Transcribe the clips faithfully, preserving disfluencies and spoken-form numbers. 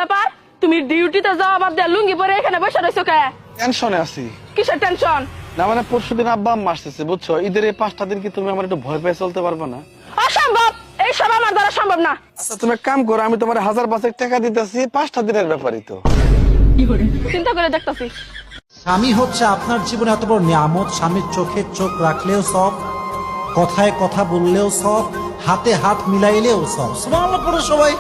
ব্যাপার, তুমি ডিউটিতে যাওয়া বাদ দিয়ে লুঙ্গি পরে এখানে বসে রয়েছো কে? টেনশনে আছি। কিসের টেনশন? না মানে পরশুদিন আব্বা আম্মা আসতেছে বুঝছো, ঈদের এই পাঁচটা দিন কি তুমি আমার একটু ভয় পেয়ে চলতে পারবে না? অসম্ভব, এই সব আমার দ্বারা সম্ভব না। আচ্ছা তুমি এক কাম করো, আমি তোমার হাজার পাঁচেক টাকা দিতেছি, পাঁচটা দিনের ব্যাপারই তো। চিন্তা করে দেখতেছি। স্বামী হচ্ছে আপনার জীবনে এত বড় নিয়ামত, স্বামীর চোখে চোখ রাখলেও সব, কথায় কথা বললেও সব, হাতে হাত মিলাইলেও সব। সুবহানাল্লাহ পড়ো সবাই।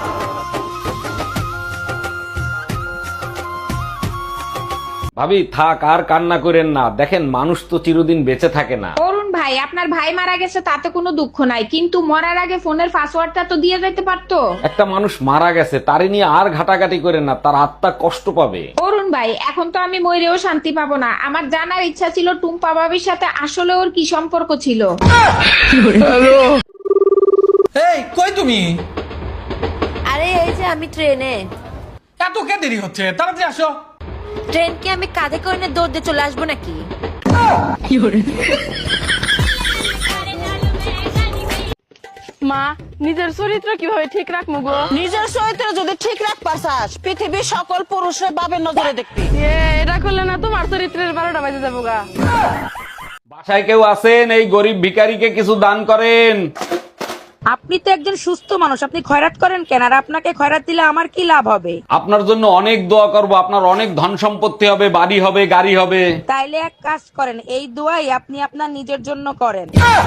ভাবি থাক, আর কান্না করেন না, দেখেন মানুষ তো চিরদিন বেঁচে থাকে না। অরুণ ভাই, আপনার ভাই মারা গেছে তাতে কোনো দুঃখ নাই, কিন্তু মরার আগে ফোনের পাসওয়ার্ডটা তো দিয়ে যেতে পারতো। একটা মানুষ মারা গেছে, তারে নিয়ে আর ঘাটাঘাটি করেন না, তার আত্মা কষ্ট পাবে। অরুণ ভাই, এখন তো আমি মরেও শান্তি পাবো না। আমার জানার ইচ্ছা ছিল টুম্পা ভাবির সাথে আসলে ওর কি সম্পর্ক ছিল। এই কই তুমি? আরে এই যে আমি ট্রেনে। এত কে দেরি হচ্ছে, তাড়াতাড়ি আসো। ট্রেন কি আমি কাঁধে করে নিয়ে দৌড় দিয়ে চলে আসবো নাকি? মা, নিজের চরিত্র কিভাবে ঠিক রাখবো গো? নিজের চরিত্র যদি ঠিক রাখবার চাস, পৃথিবীর সকল পুরুষের বাবের নজরে দেখবি। এ, এটা করলে না তোমার চরিত্রের বারোটা বাজে যাবো গা। বাসায় কেউ আছেন? এই গরিব ভিখারিকে কিছু দান করেন। আপনি তো একজন সুস্থ মানুষ, আপনি খয়রাত করেন কেন? আর আপনাকে খয়রাত দিলে আমার কি লাভ হবে? আপনার জন্য অনেক দোয়া করব, আপনার অনেক ধন সম্পত্তি হবে, বাড়ি হবে, গাড়ি হবে। তাইলে এক কাজ করেন, এই দোয়াই আপনি আপনার নিজের জন্য করেন।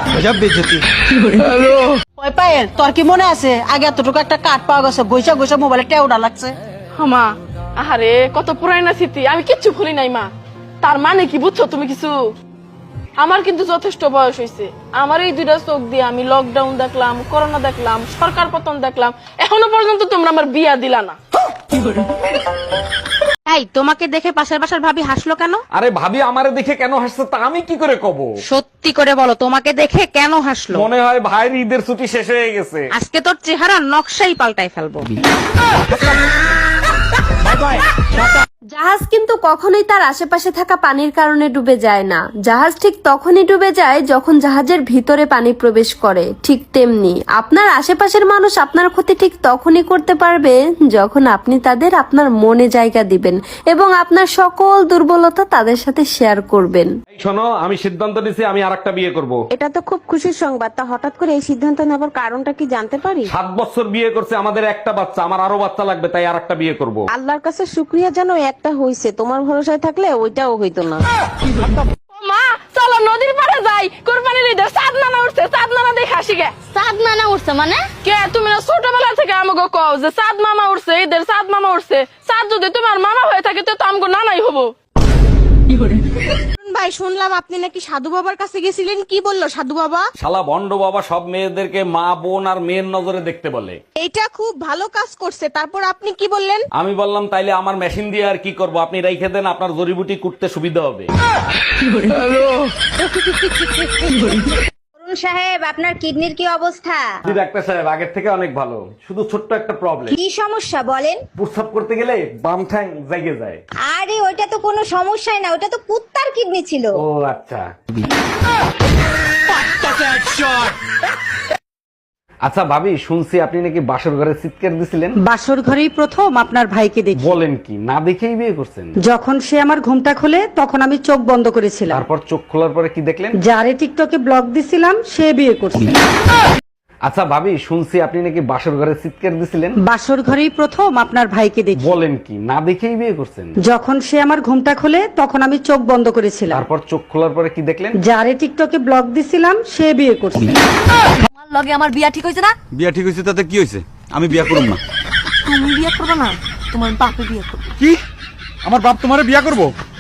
ওই পায়েল, তোর কি মনে আছে আগে এতটুকু একটা কাঠ পাওয়া গেছে, গৈসা গৈসা মোবাইলে টেউডা লাগছে। মা, আহারে কত পুরানা স্মৃতি, আমি কিচ্ছু ভুলি নাই মা। তার মানে কি বুঝছো তুমি কিছু? আমার কিন্তু যথেষ্ট বয়স হয়েছে, আমার এই দুইটা চোখ দিয়ে আমি লকডাউন দেখলাম, করোনা দেখলাম, সরকার পতন দেখলাম, এখনো পর্যন্ত তোমরা আমার বিয়া দিলা না। এই তোমাকে দেখে পাশের বাসার ভাবি হাসলো কেন? আরে ভাবি আমারে দেখে কেন হাসছে তা আমি কি করে কব? সত্যি করে বলো, তোমাকে দেখে কেন হাসলো? মনে হয় ভাইয়ের ঈদের ছুটি শেষ হয়ে গেছে। আজকে তোর চেহারা নকশাই পাল্টাই ফেলবো। জাহাজ কিন্তু কখনোই তার আশেপাশে থাকা পানির কারণে ডুবে যায় না। জাহাজ ঠিক তখনই ডুবে যায় যখন জাহাজের ভিতরে পানি প্রবেশ করে। ঠিক তেমনি আপনার আশেপাশের মানুষ আপনার ক্ষতি ঠিক তখনই করতে পারবে যখন আপনি তাদের আপনার মনে জায়গা দিবেন এবং আপনার সকল দুর্বলতা তাদের সাথে শেয়ার করবেন। এই শোনো, আমি সিদ্ধান্ত নিয়েছি আমি আরেকটা বিয়ে করব। এটা তো খুব খুশির সংবাদ, তা হঠাৎ করে এই সিদ্ধান্ত নেবার কারণটা কি জানতে পারি? সাত বছর বিয়ে করছে, আমাদের একটা বাচ্চা, আমার আরো বাচ্চা লাগবে, তাই আরেকটা বিয়ে করব। আল্লাহর কাছে শুকরিয়া জানো একটা হইছে, তোমার ভরসায় থাকলে ওইটাও হইতো না। মা চলো নদীর পাড়ে যাই, কোরবানির ঈদের চাঁদ নানা উঠছে, চাঁদ নানা দেখে আসি গে। চাঁদ নানা উঠছে মানে? কে তুমি না ছোটবেলা থেকে আমাকে কও যে চাঁদ মামা উঠছে, ঈদের চাঁদ মামা উঠছে। চাঁদ যদি তোমার মামা হয়ে থাকে তো আমগো নানাই হবো। ভাই, শুনলাম আপনি নাকি সাধু বাবার কাছে গেছিলেন, কি বললো সাধু বাবা? শালা ভণ্ড বাবা সব মেয়েদেরকে মা বোন আর মেয়ের নজরে দেখতে বলে। এইটা খুব ভালো কাজ করছে, তারপর আপনি কি বললেন? আমি বললাম তাইলে আমার মেশিন দিয়ে আর কি করব, আপনি রেখে দেন, আপনার জড়িবুটি কুটতে সুবিধা হবে। অরুণ সাহেব, আপনার কিডনির কি অবস্থা? জি ডাক্তার সাহেব, আগের থেকে অনেক ভালো, শুধু ছোট্ট একটা প্রবলেম। কি সমস্যা বলেন? প্রস্রাব করতে গেলে বাম ঠ্যাং জেগে যায়। আরে ওইটা তো কোনো সমস্যাই না, ওটা তো কুত্তার কিডনি ছিল। ও আচ্ছা। আচ্ছা ভাবি, শুনছি আপনি নাকি বাসর ঘরে চিৎকার দিছিলেন। বাসর ঘরেই প্রথম আপনার ভাইকে দেখি। বলেন কি, না দেখেই বিয়ে করছেন? যখন সে আমার ঘুমটা খোলে তখন আমি চোখ বন্ধ করেছিলাম। তারপর চোখ খোলার পরে কি দেখলেন? যারে টিকটকে ব্লগ দিছিলাম সে বিয়ে করছে। আচ্ছা ভাবি, শুনছি আপনি নাকি বাসর ঘরে চিৎকার দিছিলেন। বাসর ঘরেই প্রথম আপনার ভাইকে দেখি। বলেন কি, না দেখেই বিয়ে করছেন? যখন সে আমার ঘুমটা খোলে তখন আমি চোখ বন্ধ করেছিলাম। তারপর চোখ খোলার পরে কি দেখলেন? যারে টিকটকে ব্লগ দিছিলাম সে বিয়ে করছে। আমার লগে আমার বিয়া ঠিক হয়েছে না? বিয়া ঠিক হয়েছে তাতে কি হয়েছে? আমি বিয়া করব না। তুমি বিয়া করবে না, তোমার বাপে বিয়া করবে। কি? আমার বাপ তোমারে বিয়া করবো?